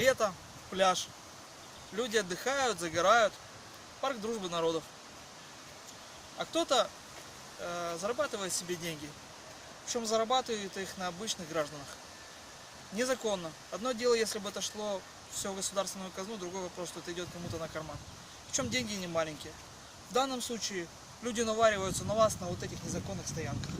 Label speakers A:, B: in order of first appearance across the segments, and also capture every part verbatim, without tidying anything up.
A: лето, пляж. Люди отдыхают, загорают. Парк дружбы народов. А кто-то э, зарабатывает себе деньги. Причем зарабатывает их на обычных гражданах. Незаконно. Одно дело, если бы это шло все в государственную казну, другой вопрос, что это идет кому-то на карман. Причем деньги не маленькие. В данном случае люди навариваются на вас на вот этих незаконных стоянках.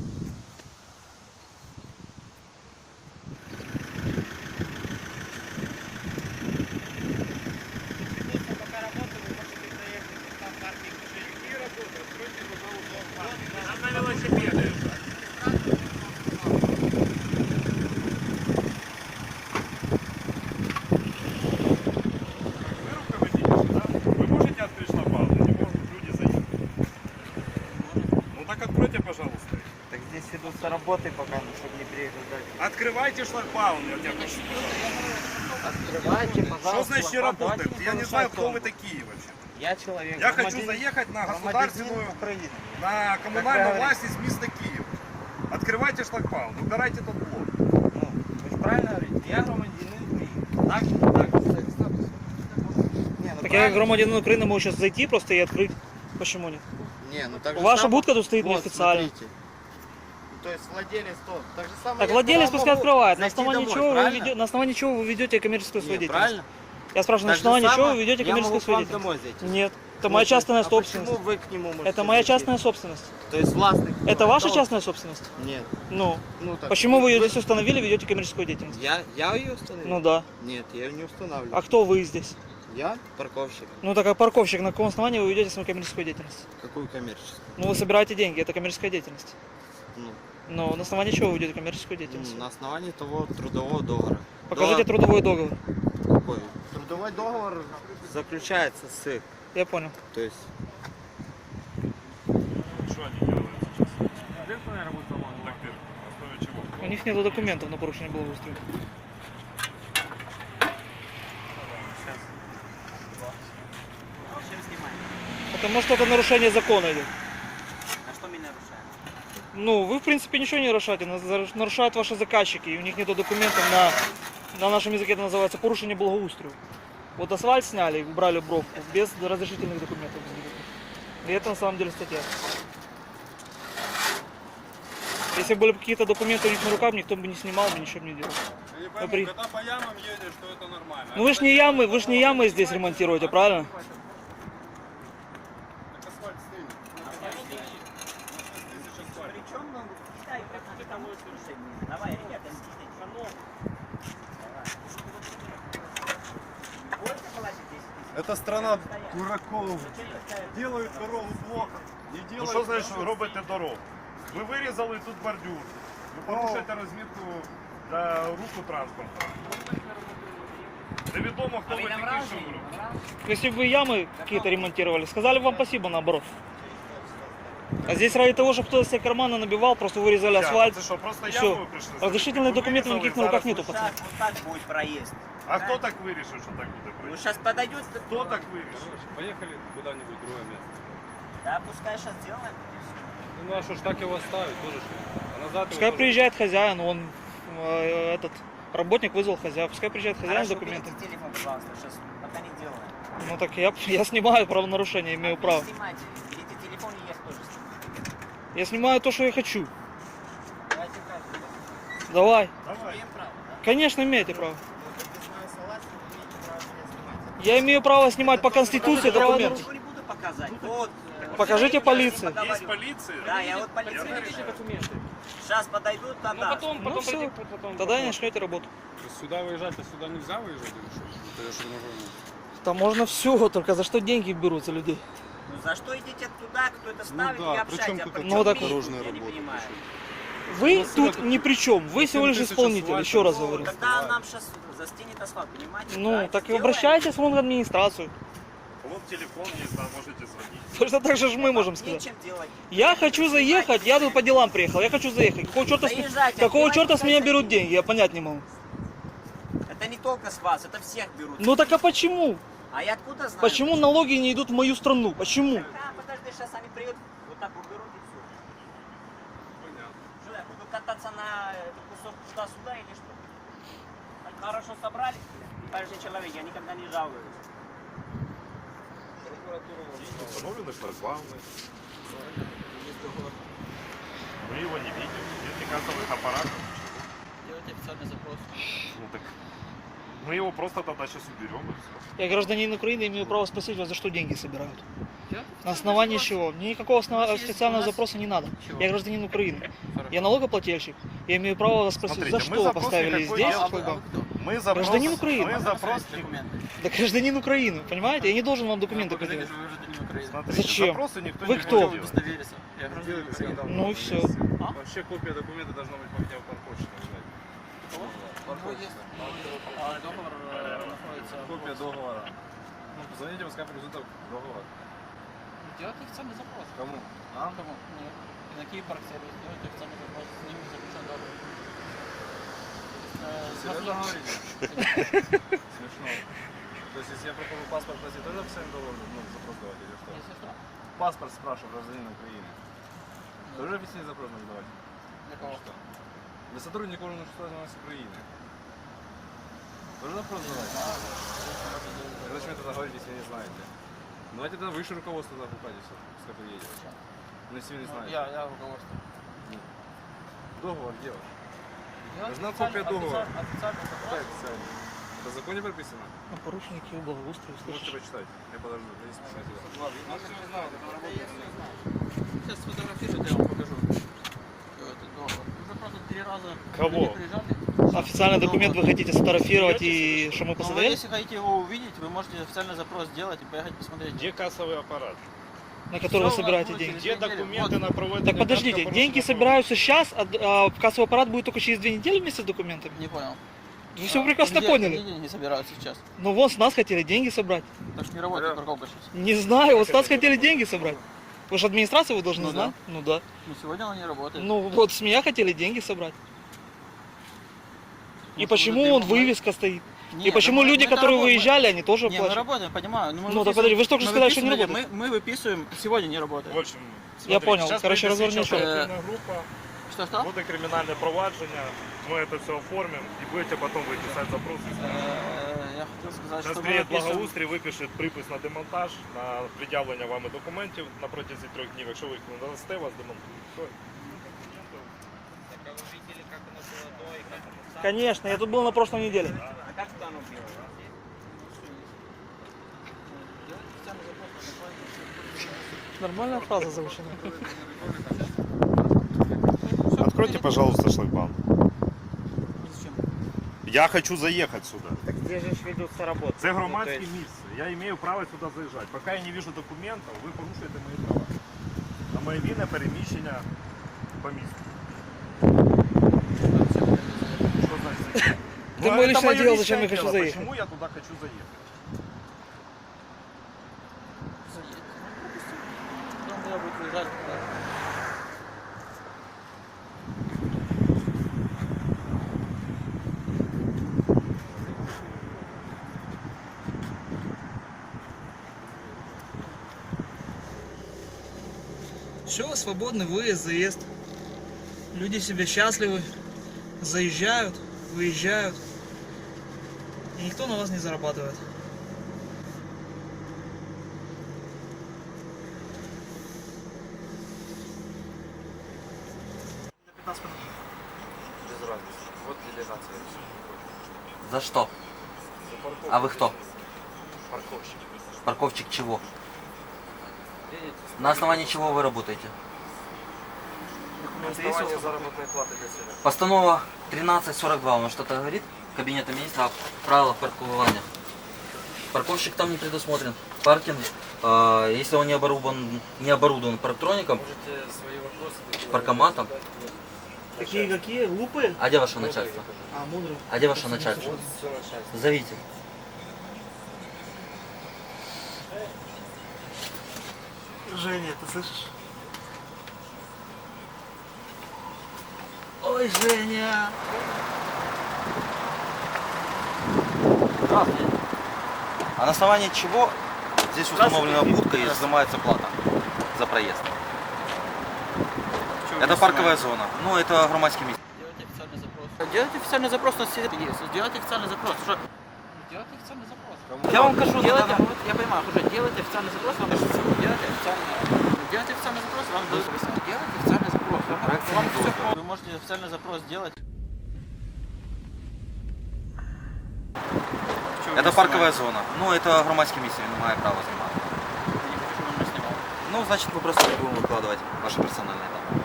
B: Пожалуйста.
C: Так здесь ведутся работы пока, ну, чтобы не приехать дальше.
B: Открывайте шлагбаум, я тебя прошу.
C: Открывайте, пожалуйста.
B: Что значит не
C: шлагбаум.
B: работает?
C: Давайте
B: Я
C: не
B: не знаю,
C: нарушать
B: кто вы
C: тормоз.
B: такие вообще.
C: Я человек.
B: Я
C: громадянин-
B: хочу заехать на
C: громадянин
B: государственную,
C: Украины.
B: на коммунальную
C: Как
B: власть места Киев. Открывайте шлагбаум, убирайте тот блок.
C: Ну, вы же правильно говорите? Я громадянин Украины. Так, так. Не, ну
A: Так я
C: правильно.
A: громадянин Украины, могу сейчас зайти просто и открыть. Почему нет?
C: Не, ну так же
A: Ваша
C: само-
A: будка тут стоит
C: Вот,
A: неофициально.
C: смотрите. То есть владелец тот. Так же самое.
A: Так
C: я
A: владелец
C: туда
A: пускай
C: могу
A: открывает. На
C: зайти
A: основании,
C: домой,
A: чего вы
C: правильно?
A: ведете, на основании чего вы ведете коммерческую свою
C: Не,
A: деятельность?
C: правильно?
A: Я спрашиваю, на
C: Так же
A: основании чего
C: самое
A: вы ведете
C: я могу
A: коммерческую
C: к
A: свою
C: вам
A: деятельность?
C: домой зайти.
A: Нет. Это моя частная
C: а
A: собственность.
C: Почему вы к нему можете
A: Это моя
C: зайти?
A: частная собственность.
C: То есть властный. кто?
A: Это ваша
C: он?
A: частная собственность?
C: Нет.
A: Ну.
C: Ну, так,
A: Почему вы ее здесь установили, ведете коммерческую деятельность?
C: Я, я ее установил?
A: Ну да.
C: Нет, я ее не устанавливаю.
A: А кто вы здесь?
C: Я парковщик.
A: Ну так как парковщик, на каком основании вы ведете свою коммерческую деятельность?
C: Какую коммерческую?
A: Ну вы собираете деньги, это коммерческая деятельность.
C: Ну,
A: Но на основании чего вы ведете коммерческую деятельность?
C: ну, на основании того трудового договора.
A: Покажите
C: Договор-
A: трудовой договор.
C: Какой? Трудовой договор заключается с...
A: Я понял.
C: То есть...
B: Что они делают сейчас? Так, ты, на основе чего?
A: У них нет документов на порушение благоустройства. Потому что это нарушение закона идет.
D: А что мы нарушаем?
A: Ну, вы в принципе ничего не нарушаете, нас- нарушают ваши заказчики, и у них нет документов на, на нашем языке это называется порушение благоустройства. Вот асфальт сняли и убрали бровку без разрешительных документов. И это на самом деле статья. Если были бы какие-то документы у них на руках, никто бы не снимал, бы ничего бы не делал.
B: Я не
A: пойму, при-
B: когда по ямам едешь, то это нормально.
A: Ну вы ж не ямы, вы ж не ямы здесь ремонтируете, правильно?
B: Так асфальт стынет.
D: Причем, ну, считай, как на тому слушай, давай, ребята, съездить. Больше положить десять тысяч?
B: Это страна дураков. Делають дорогу плохо. Не делають. Ну що значить робите дорогу? Ви вирізали тут бордюр. Ви порушуєте розмітку для руху транспорту. Невідомо, хто ви такі, що ви робите.
A: Если бы вы ямы какие-то ремонтировали, сказали бы вам спасибо наоборот. А здесь ради того, чтобы кто-то себе карманы набивал, просто вырезали асфальт.
B: Це що, просто
A: Все.
B: яму ви прийшли?
A: Разрешительных
B: Ви
A: документов
B: вирізали,
A: никаких на руках
B: зараз
A: нету,
B: ви-
A: пацаны.
D: Так, вот так будет проезд.
B: А хто так вирішив, що так буде
D: Ну,
B: проїзд?
D: сейчас подойдет,
B: Хто так вирішив?
E: Поехали куда-нибудь в другое место.
D: да, пускай сейчас сделаем. и всё.
E: Ну а что ж так его ставить, тоже что? А назад
A: Пускай
E: его
A: приезжает хозяин, он э, этот работник вызвал хозяина, пускай приезжает хозяин с
D: Хорошо,
A: документами.
D: берите телефон, пожалуйста, сейчас пока не делаем.
A: Ну так я, я снимаю правонарушение, имею право.
D: Не снимайте, берите телефон и я тоже снимаю.
A: Я снимаю то, что я хочу.
D: Давайте каждый.
A: Давай.
B: Давай.
D: Имеем право, да?
A: Конечно, имеете право.
D: Вот если с вами согласен, вы имеете право меня снимать.
A: Я имею право снимать по конституции
D: Я
A: документы.
D: ничего не буду показать. Вот. э,
A: Покажите
D: я
A: полиции.
D: поговорю.
B: Є поліція?
D: Да, я вот полиция.
E: документы.
D: Сейчас подойдут,
E: Ну
D: тогда.
E: потом,
A: Ну
E: потом
A: все,
E: пойти, потом.
A: тогда не начнете работу.
E: То есть сюда выезжать, а сюда нельзя выезжать или что? Это я что не могу.
A: Там можно все, только за что деньги берутся людей.
D: Ну за что идите туда, кто это ставит,
E: да,
D: и
E: при
D: общайтесь.
E: чем
D: А
E: тут
D: при
A: это
D: чем
A: так-
D: мы?
E: дорожная
D: Я не
E: работа,
D: понимаю.
A: Вы
E: Ну,
A: тут
E: сюда-
A: ни при чем, вы всего лишь
E: тысяч
A: исполнитель,
E: асфальта.
A: еще раз
D: Ну,
A: говорю.
D: тогда нам сейчас застенет асфальт, понимаете?
A: Ну,
D: Давайте
A: так и
D: сделаем.
A: обращайтесь вон в администрацию.
B: Вот телефон есть, да, можете звонить.
A: Точно так же ж мы можем сказать.
D: Нечем делать.
A: Я хочу заехать, я тут по делам приехал, я хочу заехать. Какого черта, с,
D: Заезжайте,
A: какого
D: отбивайте
A: черта с меня
D: косяки.
A: берут деньги, я понять не могу.
D: Это не только с вас, это всех берут.
A: Ну так а почему?
D: А я откуда знаю?
A: Почему налоги не идут в мою страну? Почему?
D: А, подожди, сейчас они приедут, вот так уберут и все. Что, я буду кататься на этот кусок туда-сюда или что? Так хорошо собрали? хороший человек, я никогда не жалуюсь.
B: Установлены шлагбаумы. Мы его не видим. Нет кассовых аппаратов.
A: Делайте официальный запрос.
B: Ну так мы его просто тогда сейчас уберем и все.
A: Я гражданин Украины, имею право спросить вас, за что деньги собирают. На основании чего? Мне никакого основ... официального запроса не надо. Я гражданин Украины. Я налогоплательщик. Я имею право вас спросить,
B: Смотрите,
A: за
B: мы
A: что вы
B: запрос
A: поставили
B: никакой
A: здесь
B: делаем.
A: шлагбаум.
B: Мы запрос,
A: Гражданин Украины.
B: Мы запрос
A: Да гражданин Украины, понимаете? Я не должен вам документы предъявить.
B: Смотрите,
A: Зачем?
B: запросы никто
A: Вы
B: не
A: кто?
B: будет делать.
A: Ну и все.
E: Вообще копия документа должна быть по мне в парковщике. Копия договора. Ну, позвоните в скапель результат договора.
C: Делайте официальный запрос.
E: Кому?
C: А? Кому? Мне. На Киев-парк сервис. Делайте официальный запрос. С ними заключен договор. Э,
E: Серьезно
C: смотри.
E: говорите? Смешно. То есть, если я пропаду паспорт, платить, тоже официальный договор, ну, запрос давать или что?
C: Если что.
E: Паспорт спрашиваю гражданина Украины. Тоже официальный запрос надо давать?
C: Для кого?
E: Что? Для сотрудника органов государственной Украины. Тоже запрос давать? Когда вы тогда говорите, если вы не знаете? Ну, давайте тогда выше руководство тогда пускайте все, пускай приедет. Ну, если вы не знаете.
C: Я, я руководство.
E: Договор делать.
C: Делайте
E: Нужна
C: официальный-
E: копия договора.
C: официаль- Официальный
E: Какая
C: запрос.
E: официальная? Это в законе прописано?
A: Ну, порушники благоустройства,
E: Можете
A: слышишь?
E: почитать. Я подожду. Здесь писать.
C: Сейчас сфотографируйте, я вам покажу. Этот договор. Уже просто три раза
B: Кого?
C: люди приезжали.
A: Официальный документ вы хотите сфотографировать и что мы
C: Ну, вы,
A: посмотрели?
C: если хотите его увидеть, вы можете официальный запрос сделать и поехать посмотреть.
B: Где кассовый аппарат?
A: На который вы
C: Всё у нас
A: собираете
C: будет
A: деньги?
C: через
B: Где
C: две недели.
B: документы
C: Вот.
B: на проведение?
A: Так подождите,
B: наркопорушения?
A: деньги собираются сейчас, а, а кассовый аппарат будет только через две недели вместе с документами?
C: Не понял.
A: Вы все прекрасно
C: Где-
A: поняли.
C: Где деньги собирают сейчас?
A: Ну вот с нас хотели деньги собрать.
C: Так что не работает парковка сейчас.
A: Не знаю, вот с нас хотели деньги собрать. Вы же администрация, вы должны
C: Ну
A: знать. Ну да.
C: Но сегодня она не работает.
A: Ну вот с меня хотели деньги собрать. И
C: Ну,
A: почему
C: ты-
A: он
C: мы-
A: вывеска стоит?
C: Не,
A: И почему
C: мы-
A: люди,
C: мы это
A: которые
C: работаем.
A: выезжали, они тоже
C: Не, мы
A: платят?
C: работаем, понимаю. но мы
A: Ну, так
C: выписываем-
A: подожди, вы же только
C: мы
A: что сказали, что не
C: выписывали-
A: работает.
C: Мы, мы выписываем, сегодня не работает.
B: В общем,
A: Я понял.
B: сейчас
A: Короче,
B: прийде
A: разверни
B: слідча
A: еще.
B: оперативна група,
C: Что-что?
B: буде кримінальне провадження, ми это все оформим и будете потом вы писать запросы.
C: Э, Я хотел сказать,
B: Сейчас
C: что мы
B: приедет
C: выписываем...
B: благоустрій, випише припис на демонтаж, на пред'явлення вами документів на протязі трьох днів. Якщо ви їх не дасте, вас демонтують. Все.
D: Так, а вы видели, как оно было до и как оно стало?
A: Конечно, я тут был на прошлой неделе.
D: А как это оно было? У вас есть?
A: Нормальная фраза заучена.
B: Откройте, пожалуйста, шлагбаум.
C: Зачем?
B: Я хочу заехать сюда.
D: Так где же ведутся работы?
B: Це громадське місце. Я маю право сюди заїжджати. Поки я не бачу документів, ви порушуєте мої права. На моє вільне переміщення по місту. Що значить?
A: Ты мое
B: это
A: личное
B: моё
A: дело,
B: личное
A: зачем я хочу
B: дело.
A: заехать.
B: Почему я туда хочу заехать?
C: Заедь. Потом туда будет выезжать. да.
A: Все, свободный выезд, заезд. Люди себе счастливы, заезжают, выезжают. И никто на вас не зарабатывает.
E: Без разницы. Вот делегация.
F: За что?
E: За парковку.
F: А вы кто?
E: Парковщик.
F: Парковщик чего?
E: Едете?
F: На основании чего вы работаете?
E: На основании заработной платы для себя.
F: Постанова тринадцать сорок два, он что-то говорит? Кабинета министра о правилах паркования. Парковщик там не предусмотрен. Паркинг, э, если он не оборудован, не оборудован парктроником,
E: Можете свои вопросы...
F: паркоматом.
A: Такие какие? Глупые?
F: А где ваше начальство?
A: А, мудрые.
F: А где ваше начальство?
E: Вот все начальство.
F: Зовите.
A: Женя, ты слышишь? Ой, Женя!
F: Здравствуйте. А на основании чего здесь установлена будка и взимается плата за проезд? Это парковая зона. Ну, это громадский место.
C: Делайте официальный запрос. Делайте официальный запрос на сервис. Делайте официальный запрос. Что Делайте официальный запрос.
F: Я вам кажу, на
C: Делайте,
F: данный-
C: вот, я понимаю, уже делайте официальный запрос, вам дадут делайте официальный, делайте официальный запрос, вам дадут объяснение. Делайте официальный запрос. Вам, вам все, вы можете официальный запрос сделать.
F: Это парковая зона. Ну, это громадське місце, він не має права знімати.
C: Я не хочу, чтобы он меня снимал.
F: Ну, значит, мы просто не будем выкладывать ваши персональные данные.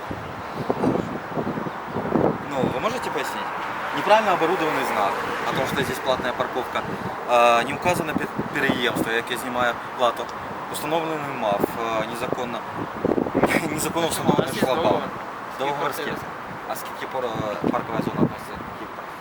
F: Ну, вы можете пояснить? Неправильно оборудованный знак о том, что здесь платная парковка. А, не указано пе- переемство, як я знімаю плату. Установлений МАФ, а, незаконно, незаконно
C: У
F: встановлений
C: нас есть
F: шлагбаум.
C: договор.
F: Договор с
C: Скільки
F: кем? А с каких пор э, парковая зона относится к каким пор-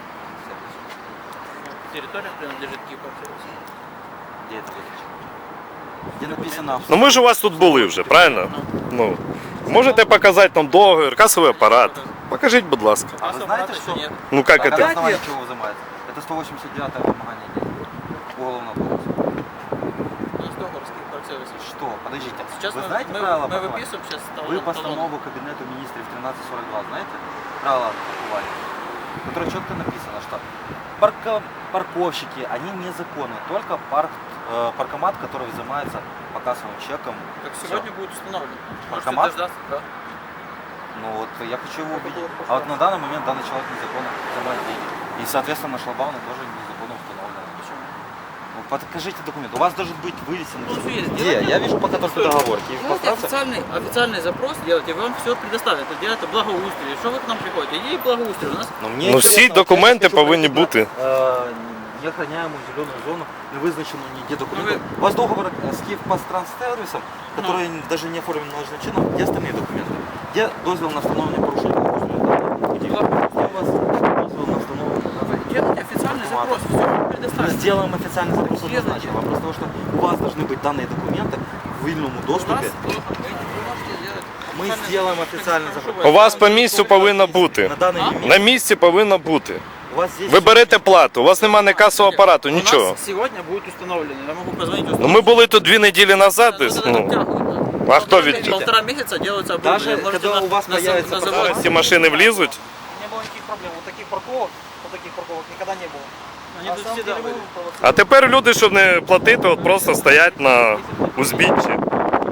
C: Территория принадлежит Киеву.
F: Где это визначено? Где написано...
B: Ну ми ж у вас тут були вже, правильно? Ну, можете показати нам договір, касовий апарат. Покажіть, будь ласка.
F: А вы знаете, что...
C: Нет.
B: Ну как
F: Так, а на
B: это?
F: основании чего взимается? Это сто восемьдесят девятое вымогание денег. Уголовного кодекса.
C: У нас договор с Киевом.
F: Что? Подождите.
C: Сейчас
F: Вы
C: мы,
F: знаете
C: мы,
F: правила
C: мы
F: паркования?
C: выписываем сейчас
F: Вы
C: талон-
F: постанову Кабинету министров тринадцать сорок два знаете? Правила паркования. В которой четко написано, что парко- парковщики, они незаконны. Только парк, э, паркомат, который взимается по кассовым чекам.
C: Так
F: Всё.
C: сегодня будет установлен. Можете
F: Паркомат?
C: дождаться, да?
F: Ну вот я хочу его увидеть. А вот на данный момент данный человек незаконно взимает деньги. И соответственно на шлагбауме тоже незаконно установлено.
C: Почему?
F: Ну, покажите документ. У вас должен быть вывесен.
C: Ну, всё есть.
F: Где?
C: Делайте.
F: Я вижу пока только договор. Киев
C: Делайте
F: Постранство.
C: официальный, официальный запрос, делайте, вам все предоставят. Это делайте благоустрие. Что вы к нам приходите? Иди благоустрие. У нас
F: Ну, мне
B: Ну,
F: интересно,
B: всі
F: вот я
B: документи
F: хочу
B: повинні
F: пройти
B: бути.
F: на, э, неохраняемую зеленую зону, не вызначенную нигде документов. У вас договор э, с Киевпостранссервисом, который даже не оформлен належным чином, где остальные документы? Где дозвол на встановление порушения благоустройства? Где? Где у вас дозвол на встановление?
C: делайте официальный запрос, все вам
F: Мы
C: предоставят.
F: сделаем официальный запрос
C: Где
F: однозначно. Вопрос того, что у вас должны быть данные документы в вольном
C: У нас,
F: доступе.
C: вы, вы можете сделать
F: Мы
C: официальный
F: сделаем
C: запрос.
F: официальный
C: Прошу
F: запрос.
B: У вас по місцю повинно бути.
F: На данный
C: А?
F: момент
B: На місці повинно бути.
F: у вас здесь...
B: Ви берете плату, у вас немає ні касового апарату,
C: У
B: нічого.
C: нас сегодня будет установлено. Я могу позвонить.
B: Ну ми були тут дві неділі назад десь. Ну, а хто від...
C: Полтора месяца делается
F: Даже
C: оборудование. Можете
F: когда
C: на-
F: у вас
C: на зав-
F: появится
C: на завод-
F: пожар,
B: Ці машини влізуть?
D: Не было никаких проблем. Вот таких парковок, вот таких парковок никогда не было.
C: Они
D: А
C: тут
D: сам
C: всегда
D: деле
C: были.
D: вы провоцируете.
B: А тепер люди, щоб не платити, от просто стоять на узбіччі.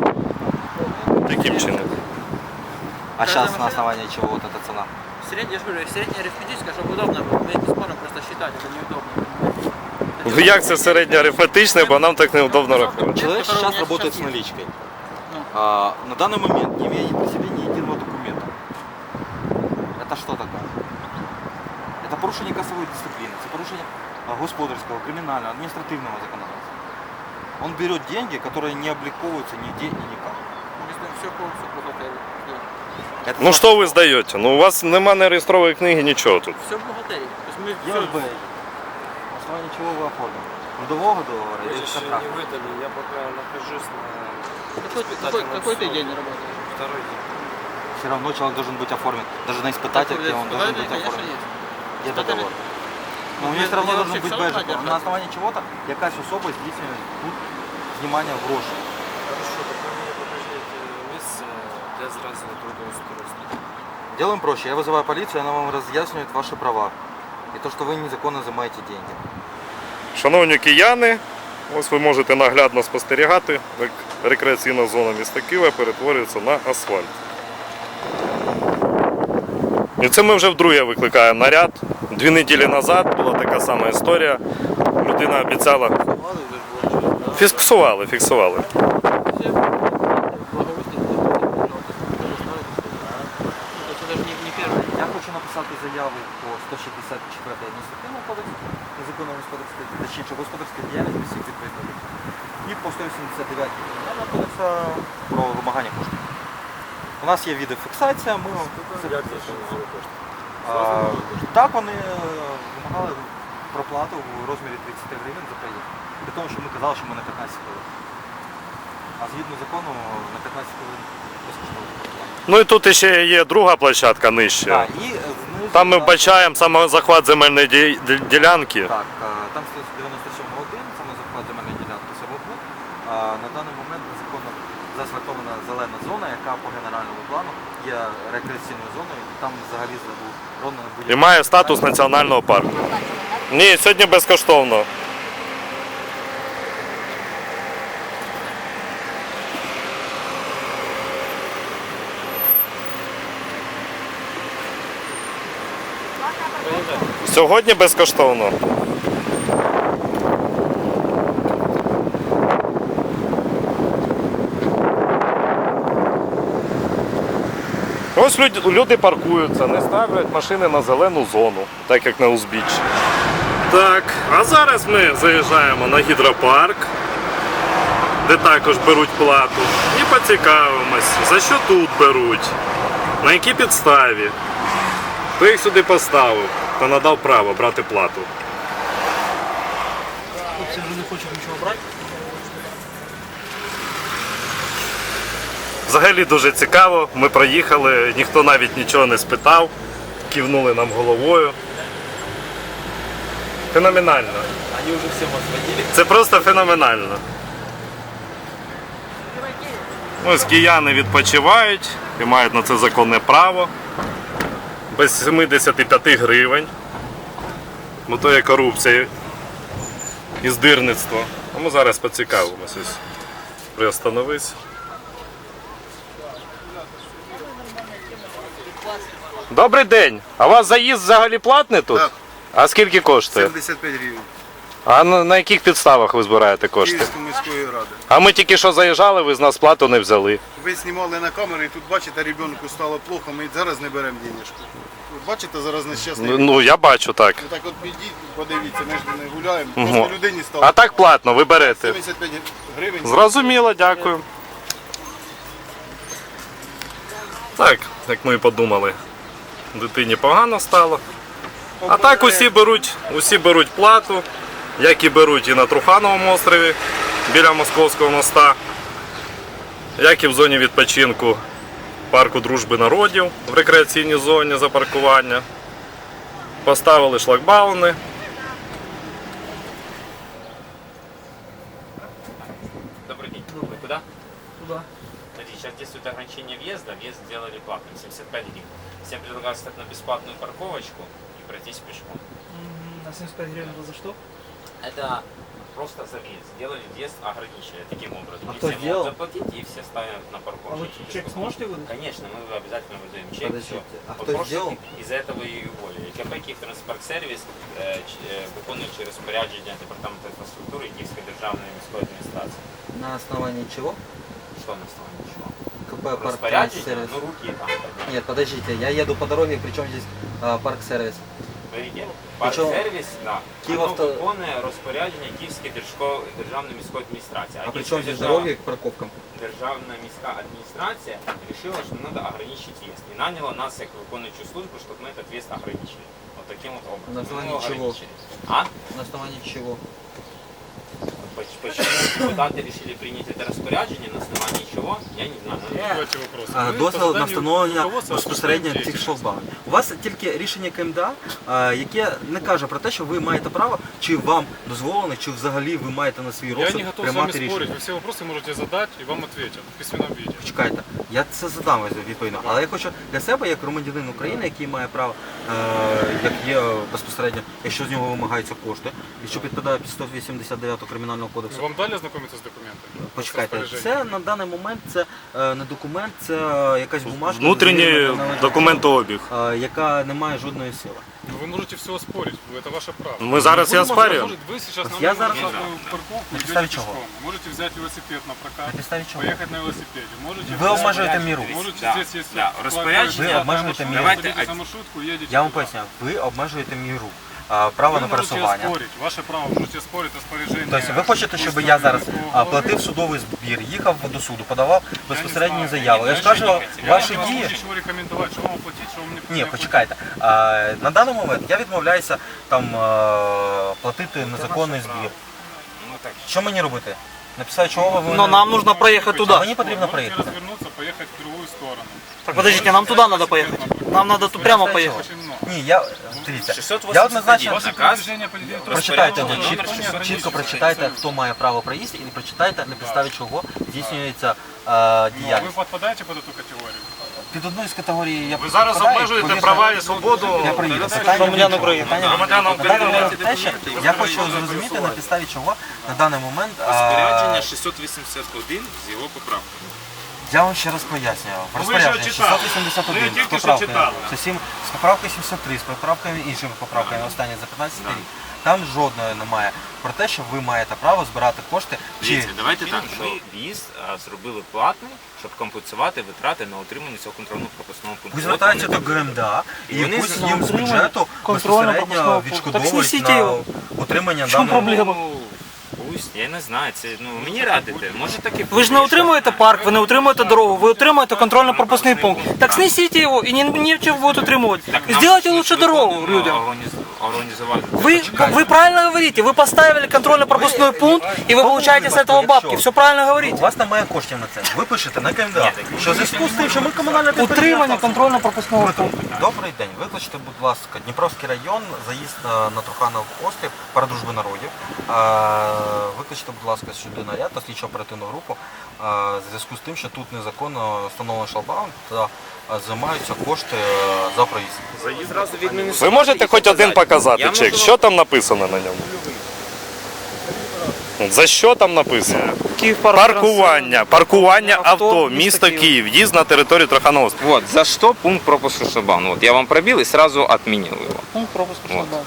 B: Таким чином.
F: А сейчас на основании чего вот эта цена?
C: Средняя, я же говорю, средняя арифметическая, чтобы удобно было. Мы не сможем просто считать, это неудобно.
B: Ну як це середнє арифметичне, бо нам так неудобно рахувати.
F: Человек
C: который у
F: сейчас
C: меня
F: работает
C: сейчас
F: с наличкой.
C: Ну.
F: А, на данный момент не имея при себе ни единого документа. Это что такое? Это порушение кассовой дисциплины, это порушение а, господарского, криминального, административного законодательства. Он берет деньги, которые не обликовываются нигде и никак.
C: Все полностью бухгалтерии.
F: Это
B: Ну що ви здаєте? Ну у вас нема не реєстрової книги, нічого тут.
C: Все бухгалтерии. То есть мы
F: Я
C: все...
F: Б. На основании чего вы оформили? Трудового договора или
E: Еще не
F: контракта?
E: выдали, я пока нахожусь на
C: Какой, ты- какой, какой ты день работаешь?
E: второй день.
F: Все равно человек должен быть оформлен. Даже на испытательке он должен быть
C: конечно,
F: оформлен.
C: есть.
F: Где
C: Испытатель-
F: договор? Но у
C: Ну,
F: него
C: я-
F: все равно
C: я
F: должен
C: вообще
F: быть
C: всё равно
F: бэджик.
C: держу.
F: На основании чего-то якась особа здійснює тут знімання грошей.
E: Хорошо, так ви мені покажіть е, місце для зразу трудоустройства.
F: Делаем проще. Я вызываю полицию, она вам разъясняет ваши права. И то, что вы незаконно взимаете деньги.
B: Шановні кияни, ось ви можете наглядно спостерігати, як рекреаційна зона міста Києва перетворюється на асфальт. І це ми вже вдруге викликаємо наряд. Дві неділі назад була така сама історія. Людина обіцяла. Фіксували, фіксували.
C: Все благоустройство. То есть это же не, не первый.
F: Я хочу написати заяву по сто шістдесят четвертій адміністративному кодексу, незаконно господарської, точніше, господарської діяльності всіх відповідних. І по сто вісімдесят дев'ятій кримінального кодексу про вимагання коштів. У нас є відеофіксація, ми вам А, так, вони е, вимагали проплату у розмірі тридцять гривень за проїзд. При тому, що ми казали, що ми на п'ятнадцять хвилин. А згідно закону на п'ятнадцять хвилин безкоштовно проплата.
B: Ну і тут ще є друга площадка нижче.
F: Так, і е, знизу,
B: Там ми
F: так,
B: вбачаємо саме захват земельної ді- ді- ділянки.
F: Так, е, там стоїть дев'яносто сім один, саме захват земельної ділянки самобут. А на даний момент незаконно заасфальтована зелена зона, яка по генеральному плану є рекреаційною зоною, і там взагалі заборонено
B: І
F: будь-яке.
B: має статус національного парку. Ні, сьогодні безкоштовно. Сьогодні безкоштовно. Ось люди, люди паркуються, не ставлять машини на зелену зону, так як на узбіччі. Так, а зараз ми заїжджаємо на гідропарк, де також беруть плату, і поцікавимось, за що тут беруть, на якій підставі, хто їх сюди поставив та надав право брати плату.
A: Хлопці вже не хочуть нічого брати.
B: Взагалі дуже цікаво, ми проїхали, ніхто навіть нічого не спитав, кивнули нам головою. Феноменально.
C: Вони вже всім освоїли.
B: Це просто феноменально. Ось кияни відпочивають і мають на це законне право. Без сімдесят п'ять гривень. Бо то є корупція і здирництво. А ми зараз поцікавимося. Приостановись. Добрий день. А у вас заїзд взагалі платний тут?
G: Так.
B: А скільки коштує?
G: сімдесят п'ять гривень.
B: А на, на яких підставах ви збираєте кошти?
G: Київської міської ради.
B: А ми тільки що заїжджали, ви з нас плату не взяли.
G: Ви знімали на камеру і тут бачите, ребенку стало плохо, ми зараз не беремо денежку. Ви бачите, зараз нещасний.
B: Ну, ну я бачу так.
G: Ви так от підіть, подивіться, ми ж не гуляємо.
B: Мгм.
G: Просто людині стало
B: А так платно, ви берете.
G: сімдесят п'ять гривень.
B: Зрозуміло, дякую. Так, як ми і подумали, дитині погано стало. А так усі беруть, усі беруть плату, як і беруть і на Трухановому острові біля Московського моста, як і в зоні відпочинку парку Дружби народів в рекреаційній зоні за паркування. Поставили шлагбауни.
H: Добрый день. Вы куда?
A: Туда.
H: Смотрите, сейчас действует ограничение въезда. Въезд сделали платным, семьдесят пять гривен. Всем предлагаю встать на бесплатную парковочку и пройтись пешком.
A: Мгм. На семьдесят пять гривен это за что?
H: Это просто за въезд. Сделали въезд, ограничили таким образом.
F: А
H: И
F: кто
H: все
F: сделал?
H: могут заплатить, и все ставят на
A: А
H: парковку.
A: вы чек сможете выдать?
H: Конечно, мы обязательно выдаем чек.
F: Подождите,
H: всё.
F: а
H: Вот
F: кто
H: просто
F: сделал?
H: Из-за этого и уволили. КП «Київтранспортсервіс» е, ч- е, виконуючи розпорядження Департаменту інфраструктури і Київської державної міської адміністрації.
F: На основании чего?
H: Що на основании чого?
F: КП парк
H: Розпорядження?
F: сервис.
H: Ну руки там. подняли.
F: Нет, подождите, я еду по дороге, причем здесь а, парк сервис.
H: Смотрите,
F: Причому
H: парк-сервіс, да,
F: Київавто-
H: воно виконує розпорядження Київської держко- державної міської адміністрації.
F: А
H: Київська
F: причем здесь
H: держава-
F: дороги к парковкам?
H: Державна міська адміністрація решила, что надо ограничить въезд. И наняла нас, как выполняющую службу, чтобы мы этот въезд ограничили. Вот таким вот образом.
F: На основании
H: Мы его
F: чего?
H: ограничили. А?
F: На основании чего?
H: Поч- Почему депутаты решили принять это распоряджение, на основании чего, я не знаю.
F: А, дозвіл на встановлення безпосередньо цих шлагбаумів. У вас тільки рішення КМДА, а, яке не каже про те, що ви маєте право, чи вам дозволено, чи взагалі ви маєте на свій
E: Я
F: розсуд
E: не готов с вами
F: приймати
E: спорить,
F: рішення.
E: вы все вопросы можете задать и вам ответят в письменном виде.
F: Чекайте, я це задам відповідно, але я хочу для себе, як громадянин України, який має право, е, як є безпосередньо, якщо з нього вимагаються кошти, і що підпадає під сто вісімдесят дев'ятого кримінального кодексу.
E: Вам дали ознакомиться с документами?
F: Почекайте,
E: Розпорядження?
F: це на даний момент це е, не документ, це якась бумажка,
B: Внутрішній
F: завірена належним
B: документообіг.
F: чином, е, яка не має жодної сили.
E: Ну, вы можете все оспорить, это ваше право.
B: Ми зараз і оспарюємо.
E: Может, вы сейчас
F: Вот
E: на
F: я
E: новую
F: зараз-
E: платную парковку
F: На
E: идете
F: підставі чого?
E: пешком. Можете взять велосипед на
F: На
E: прокат,
F: підставі чого?
E: поехать на велосипеде. Можете
F: Ви обмежуєте міру.
E: Можете
H: Да,
E: здесь, если
H: да, распоряджение-
F: Ви обмежуєте міру.
H: Давайте
E: садитесь на
H: один-
E: маршрутку, едете
F: Я вам
E: туда.
F: поясню, ви обмежуєте міру а, права
E: Ви
F: на
E: можете
F: пересування.
E: оспорить, ваше право, можете спорить розпорядження.
F: Тобто ви хочете, щоб я зараз а, платив судовий збір, їхав до суду, подавав безпосередні заяви. Я скажу, ваші
E: Я не
F: дії.
E: можу нічого рекомендувати, що вам оплатити, що вам не
F: Ні,
E: не
F: почекайте. А, на даний момент я відмовляюся там а, платити незаконний збір.
H: Ну так,
F: Що мені робити? Написати, чого ви
A: Но
F: мене-
A: нам нужно проехать
F: А
A: туда.
F: мені потрібно
E: Можете
F: проїхати.
E: розвернутися, поїхати в другу сторону.
A: Так подождите, нам туда надо поехать. Нам надо тут прямо поехать.
E: Очень много.
F: Ні, я дивіться.
H: шестьсот
F: Я
H: восемьдесят
F: однозначно
H: один. Наказ.
E: Движення по лінії
F: прочитайте
E: тротуару,
F: його, чітко,
E: номер
F: чітко
E: шістдесят
F: прочитайте, хто має право проїзду, і прочитайте, на підставі чого здійснюється е,
E: Ну, а ви
F: діяльність.
E: підпадаєте під цю категорію?
F: Під одну з категорій я
B: Ви зараз
F: підпадаю,
B: обмежуєте
F: повірте,
B: права і свободу
F: Я приїду. Питання
A: Громадян
F: в чому?
A: України.
F: Питання в
B: Громадян
F: чому?
B: України.
F: На даний момент те, що я хочу зрозуміти, на підставі чого на даний момент а,
H: Розпорядження шістсот вісімдесят один з його поправками.
F: Я вам ще раз пояснюю. В
B: Ну, ви ж
F: розпорядженні
B: його читали.
F: шістсот вісімдесят
B: Ви
F: один
B: його тільки
F: з
B: що
F: поправками,
B: читали.
F: з усім- з поправкою сімдесят три, з поправками іншими поправками, останні за п'ятнадцятий рік. Там жодної немає про те, що ви маєте право збирати кошти. Чи
H: Дивіться, давайте так. Ми в'їзд а, зробили платний, щоб компенсувати витрати на утримання цього контрольно-пропускного пункту.
F: ви
H: От
F: звертаєтеся
H: вони
F: до ГМДА і
H: І вони
F: якусь
H: за
F: їм з
A: утримання
F: бюджету
A: контрольно-пропускного
F: безпосередньо
A: пункту. Так
F: відшкодовують
A: снесіть
F: на
A: його.
F: утримання
A: В чому
F: даного.
A: проблема?
H: Ну, пусть, я не знаю, це ну мені радите. Може таки
A: Ви ж не утримуєте парк, ви не утримуєте дорогу, ви утримуєте контрольно-пропускний пункт. Так снесіть його і не, нічого будете утримувати. Сделайте лучше дорогу людям.
H: Організувати.
A: Вы, вы правильно говорите, вы поставили контрольно-пропускной пункт, и вы получаете с этого бабки. Все правильно
F: У
A: говорите.
F: вас немає коштів на це. Ви пишете на КМДА, що в зв'язку з тим, що ми комунальне
A: Утримання
F: підприємство.
A: контрольно-пропускного пункту.
F: Добрий день. Викличте, будь ласка, Дніпровський район, заїзд на, на Труханов острів, парад дружби народів. А, викличте, будь ласка, сюди наряд та слідчо оперативну групу. А, в зв'язку з тим, що тут незаконно встановлений шлагбаум та а, займаються кошти а, за проїзд.
B: Ви можете хоч один показати
H: Я
B: чек?
H: можу-
B: Що там написано на ньому? За що там написано? Паркування. Паркування авто, місто Київ, в'їзд на територію Трухановського.
H: Вот, за что пункт пропуска шлагбаума? Вот я вам пробил и сразу отменил его.
A: Пункт пропуска шлагбаума.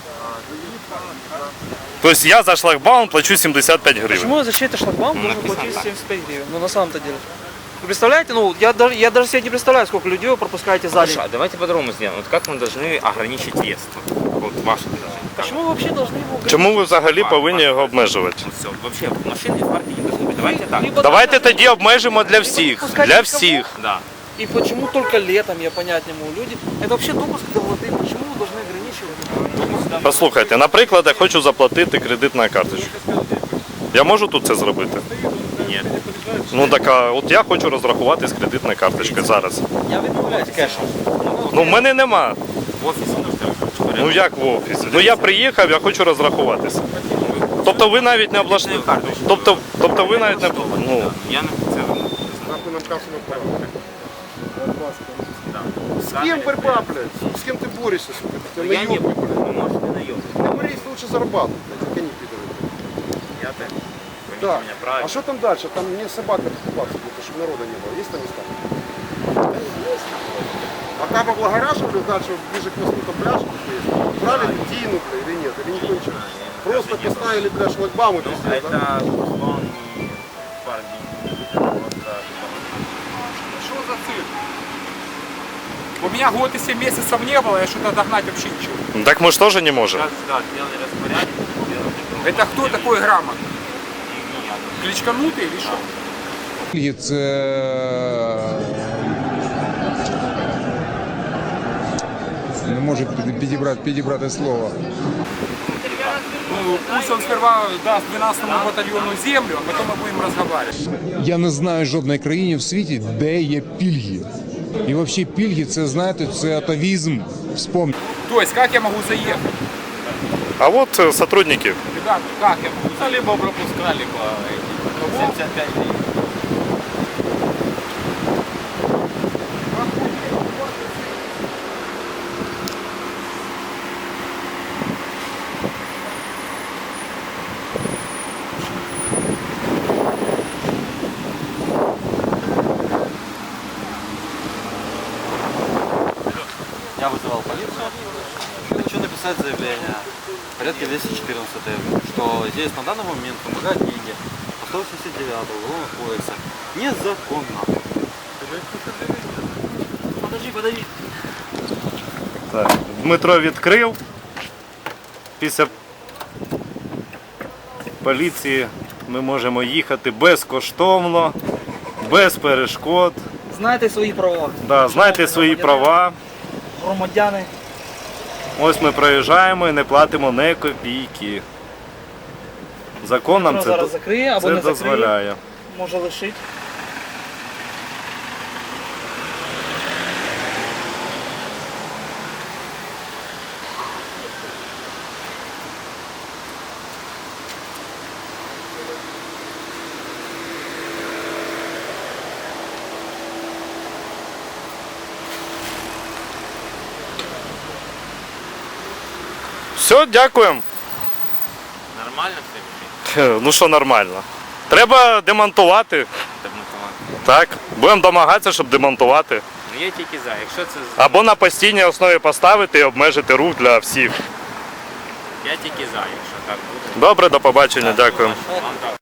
B: Тобто я за шлагбаум плачу сімдесят п'ять гривень.
A: Почему за чей-то шлагбаум
H: Ну,
A: должен
H: написано
A: платить
H: так.
A: семьдесят пять гривен? Ну на самом-то деле. Вы представляете, ну я даже, я даже себе не представляю, сколько людей вы пропускаете за день.
H: Хорошо, а давайте по-другому сделаем. Вот как мы должны ограничить въезд? Вот ваше предложение. Как?
A: Почему вы вообще должны его ограничивать?
B: Чому ви взагалі повинні його обмежувати?
H: Ну все, вообще машины в парке не должны быть. Давайте так.
A: Либо
B: Давайте
A: должны-
B: тоді обмежимо для всіх. Для всіх.
H: Да.
A: И почему только летом, я понять не могу. Люди, это вообще допуск до воды. Почему вы должны ограничивать?
B: Послухайте, наприклад, я хочу заплатити кредит на карточку. Я можу тут це зробити?
H: Нет.
B: Ну так, а от я хочу розрахуватись кредитною карточкою зараз.
C: Я відмовляюсь кешем.
B: Ну в мене нема.
H: В офисе нужно.
B: Ну як в офісі? Ну я приїхав, я хочу розрахуватися. Тобто ви навіть не облаштували. Тобто, тобто ви навіть не ну,
H: Я не це
G: Нахуй нам кассу на пару. С
H: да.
G: кем борьба, блядь? С кем ты борешься, сука? Ты
H: Я не
G: наёбник,
H: буду.
G: блядь.
H: Ну, может, не наебник.
G: Ну, Борис, лучше зарабатывать, блядь, как они пидоры.
H: Я так. Поймите
G: Да.
H: меня правильно.
G: А что там дальше? Там мне собака покупаться будет, чтобы народа не было. Есть там места? Пока поблагораживали, дальше ближе к мосту там пляж есть. Брали Дину, блядь, или нет? Или никто ничего? Просто поставили, блядь, шлагбаумы
H: Ну,
G: везде, да?
H: это он не парк.
I: Что за цирк? У меня год и семь месяцев не было, я что-то догнать вообще ничего.
B: так ми ж теж не можемо.
H: Сейчас, да, сделали распорядок, сделали
I: Это кто такой грамотный? Кличканутый или что?
J: Не може підібрати, підібрати слово.
I: Ну, пусть он сперва даст двенадцатому батальону землю, а потом мы будем разговаривать.
J: Я не знаю жодної країни в світі, де є пільги. І взагалі пільги, це, знаєте, це атавізм. Вспомніть.
I: То есть, как я могу заехать?
B: А от е, сотрудники.
I: Ребята, как я могу заехать?
C: Либо пропуска, либо семьдесят пять гривен.
F: Я вызывал полицию. Хочу написать заявление в порядке двести четырнадцать, что здесь на данный момент помогают деньги по сто восемьдесят девятому Уголовного кодекса незаконно. Подожди, подожди.
B: Так, Дмитро відкрив. Після поліції ми можемо їхати безкоштовно, без перешкод.
A: Знаєте свої права.
B: Да, знайте свої права.
A: Громадяни.
B: Ось ми проїжджаємо і не платимо ні копійки. Закон нам
A: Воно
B: це,
A: зараз закриє або
B: це
A: не закриє.
B: дозволяє.
A: Може лишити.
B: Все, дякуємо.
H: Нормально все?
B: Ну що нормально. Треба демонтувати.
H: Так, ну,
B: Так. Будемо домагатися, щоб демонтувати.
H: Ну я тільки за. Якщо це
B: Або на постійній основі поставити і обмежити рух для всіх.
H: я тільки за, якщо так буде.
B: Добре, до побачення, дякую.
H: Вам так.